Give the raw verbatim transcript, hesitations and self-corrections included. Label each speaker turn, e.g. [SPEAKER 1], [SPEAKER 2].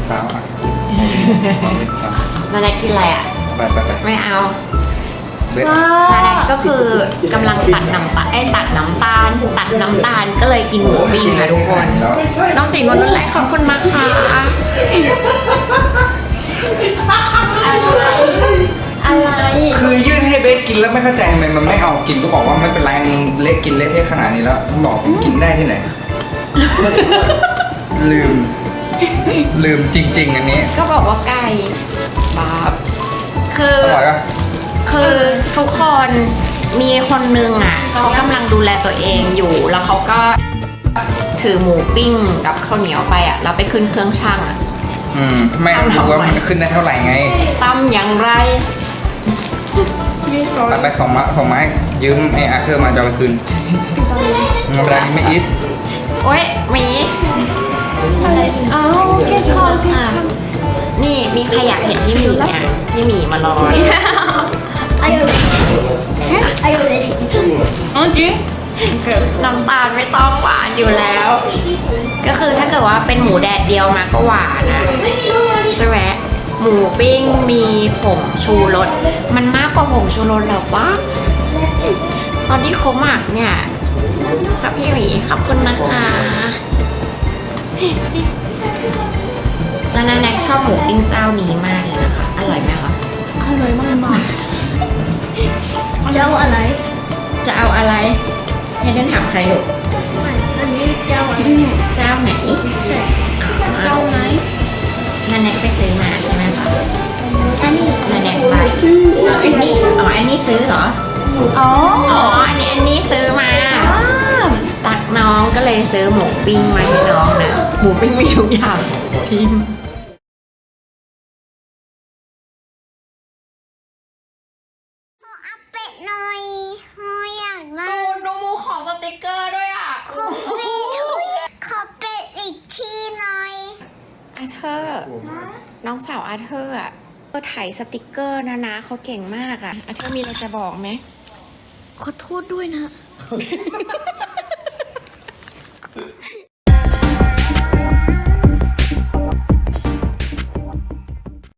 [SPEAKER 1] สาวอ่ะ
[SPEAKER 2] นาแนกกินอะไรอ่ะ
[SPEAKER 1] ไปไปไป
[SPEAKER 2] ไม่เอา
[SPEAKER 1] เบส
[SPEAKER 2] นาแนกก็คือกำลังตัดน้ำตาลไอ้ตัดน้ำตาลตัดน้ำตาลก็เลยกินหมูปิ้งนะทุกคน
[SPEAKER 1] แล้ว
[SPEAKER 2] น้องจิ๋งวันรุ่นแรกขอบคุณมากค่ะอะไรอะไร
[SPEAKER 1] คือยื่นให้เบสกินแล้วไม่เข้าใจทำไมมันไม่เอากินก็บอกว่าไม่เป็นไรมึงเละกินเละเทะขนาดนี้แล้วบอกกินได้ที่ไหน ลืม ลืมจริง ๆ อันนี้
[SPEAKER 2] ก็บอกว่าไก่บาบคือ
[SPEAKER 1] อร่อยปะ
[SPEAKER 2] คือทุกคนมีคนนึงอ่ะเขากำลังดูแลตัวเองอยู่ แล้วเขาก็ถือหมูปิ้งกับข้าวเหนียวไปอ่ะแล้วไปขึ้นเครื่องช่างอ่ะ
[SPEAKER 1] อืมไม่รู้ว่ามันขึ้นได้เท่าไหร่ไง
[SPEAKER 2] ตำอย่างไร
[SPEAKER 1] ไปไปของมาของไม้ยืมไอ้อาเธอร์มาจะเอาไปคืนเวลานี้ไม่อิท
[SPEAKER 2] โอ๊ยหมีอะไร
[SPEAKER 3] อ้าวแค่คอสิ
[SPEAKER 2] อ่ะนี่มีใครอยากเห็นพี่หมีเนี่ยพี่หมีมารอ
[SPEAKER 3] Are you ready? Are you ready?
[SPEAKER 2] โอเคน้ำตาลไม่ต้องหวานอยู่แล้ว ก็คือถ้าเกิดว่าเป็นหมูแดดเดียวมาก็หวานนะใช่ไหมหมูปิ้งมีผงชูรสมันมากกว่าผงชูรสแล้วปะตอนที่เขาหมักเนี่ยชอบพี่หมีขอบคุณนะคะแล้วนาแนกชอบหมูปิ้งเจ้านี้มากเลยนะคะอร่อยไหมคะ
[SPEAKER 3] อร่อยมากมากเจ้าอะไร
[SPEAKER 2] จะเอาอะไรให้เดินถามใครลูก
[SPEAKER 3] อันนี้เจ้าอะไร
[SPEAKER 2] เจ้าไหน
[SPEAKER 3] เจ้าไหน
[SPEAKER 2] นาแนกไปซื้อมาใช่ไหมคะ
[SPEAKER 3] อันนี้
[SPEAKER 2] นาแนกไปอันนี้อ๋ออันนี้ซื้อเหรอ
[SPEAKER 3] อ๋อ
[SPEAKER 2] อ๋ออันนี้อันนี้ซื้อมาตักน้องก็เลยซื้อหมูปิ้งมาให้น้องนะหมูปิ้งมีทุกอย่างชิม
[SPEAKER 3] อัปเป็ดหน่อยหอยอยากได้
[SPEAKER 2] ดูดูหมูของสติกเกอร์ด้วยอ่ะ
[SPEAKER 3] ขอเป็ดขอเป็ดอีกทีหน่อย
[SPEAKER 2] อาเธอร์น้องสาวอาเธอร์อ่ะก็ถ่ายสติกเกอร์นะนะเขาเก่งมากอ่ะอาเธอร์มีอะไรจะบอกไหม
[SPEAKER 3] ขอโทษด้วยนะ